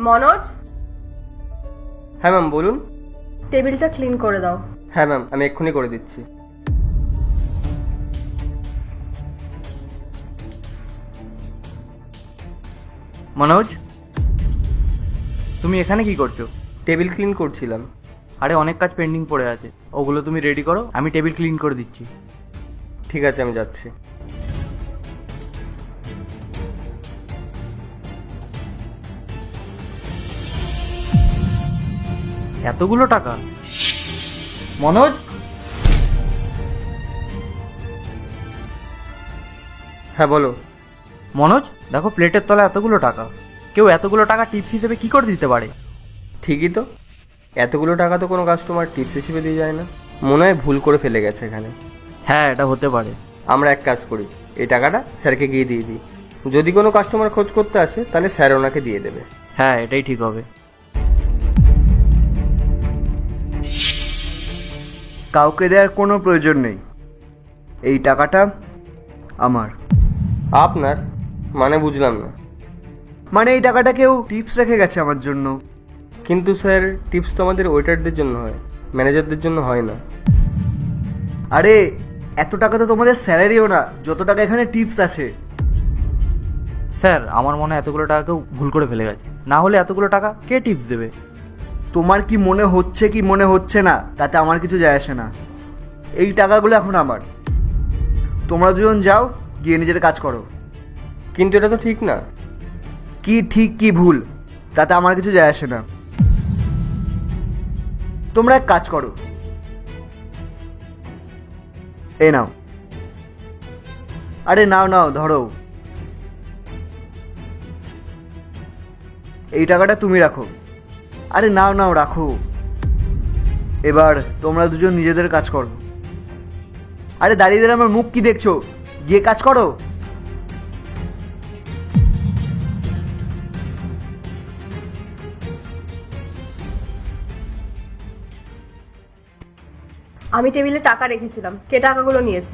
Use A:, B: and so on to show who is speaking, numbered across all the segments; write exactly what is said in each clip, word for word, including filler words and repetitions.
A: মনোজ,
B: হ্যাঁ ম্যাম বলুন।
A: টেবিলটা ক্লিন করে দাও।
B: হ্যাঁ ম্যাম, আমি এক্ষুনি করে দিচ্ছি।
C: মনোজ, তুমি এখানে কি করছো?
B: টেবিল ক্লিন করছিলাম।
C: আরে অনেক কাজ পেন্ডিং পড়ে আছে, ওগুলো তুমি রেডি করো, আমি টেবিল ক্লিন করে দিচ্ছি।
B: ঠিক আছে, আমি যাচ্ছি।
C: এতগুলো টাকা? মনোজ,
B: হ্যাঁ বলো।
C: মনোজ দেখো, প্লেটের তলায় এতগুলো টাকা। কেউ এতগুলো টাকা টিপস হিসেবে কি করে দিতে পারে?
B: ঠিকই তো, এতগুলো টাকা তো কোনো কাস্টমার টিপস হিসেবে দিয়ে যায় না। মনে হয় ভুল করে ফেলে গেছে এখানে।
C: হ্যাঁ, এটা হতে পারে।
B: আমরা এক কাজ করি, এই টাকাটা স্যারকে গিয়ে দিয়ে দিই। যদি কোনো কাস্টমার খোঁজ করতে আসে তাহলে স্যার ওনাকে দিয়ে দেবে।
C: হ্যাঁ, এটাই ঠিক হবে।
D: কাউকে দেওয়ার কোনো প্রয়োজন নেই, এই টাকাটা আমার।
B: আপনার মানে বুঝলাম না।
D: মানে এই টাকাটা কেউ টিপস রেখে গেছে আমার জন্য।
B: কিন্তু স্যার, টিপস তো আমাদের ওয়েটারদের জন্য হয়, ম্যানেজারদের জন্য হয় না।
D: আরে এত টাকা তো তোমাদের স্যালারিও না, যত টাকা এখানে টিপস আছে।
C: স্যার, আমার মনে হয় এতগুলো টাকা কেউ ভুল করে ফেলে গেছে, না হলে এতগুলো টাকা কে টিপস দেবে?
D: তোমার কি মনে হচ্ছে কি মনে হচ্ছে না তাতে আমার কিছু যায় আসে না। এই টাকাগুলো এখন আমার। তোমরা দুজন যাও, গিয়ে নিজের কাজ করো।
B: কিন্তু এটা তো ঠিক না।
D: কি ঠিক কি ভুল তাতে আমার কিছু যায় আসে না। তোমরা এক কাজ করো, এই নাও। আরে নাও নাও, ধরো। এই টাকাটা তুমি রাখো। আরে নাও নাও, রাখো। এবার তোমরা দুজন নিজেদের কাজ করো। আরে দাঁড়িয়ে দাঁড়িয়ে আমার মুখ কি দেখছো? গিয়ে কাজ করো।
A: আমি টেবিলে টাকা রেখেছিলাম, কে টাকাগুলো নিয়েছে?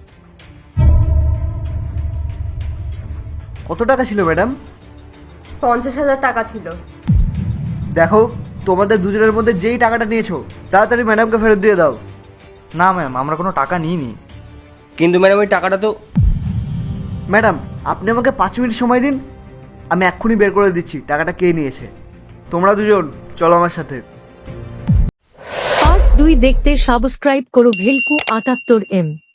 D: কত টাকা ছিল ম্যাডাম?
A: পঞ্চাশ হাজার টাকা ছিল।
D: দেখো, তোমাদের দুজনের মধ্যে যেই টাকাটা নিয়েছো তাড়াতাড়ি ম্যাডামকে ফেরত দিয়ে দাও।
C: না ম্যাম, আমরা কোনো টাকা নিইনি।
B: কিন্তু ম্যাডাম, ওই টাকাটা তো।
D: ম্যাডাম, আপনি আমাকে পাঁচ মিনিট সময় দিন, আমি এক্ষুনি বের করে দিচ্ছি টাকাটা কে নিয়েছে। তোমরা দুজন চলো আমার সাথে।
E: পার্ট দুই দেখতে সাবস্ক্রাইব করো ভেলকু আটাত্তর এম।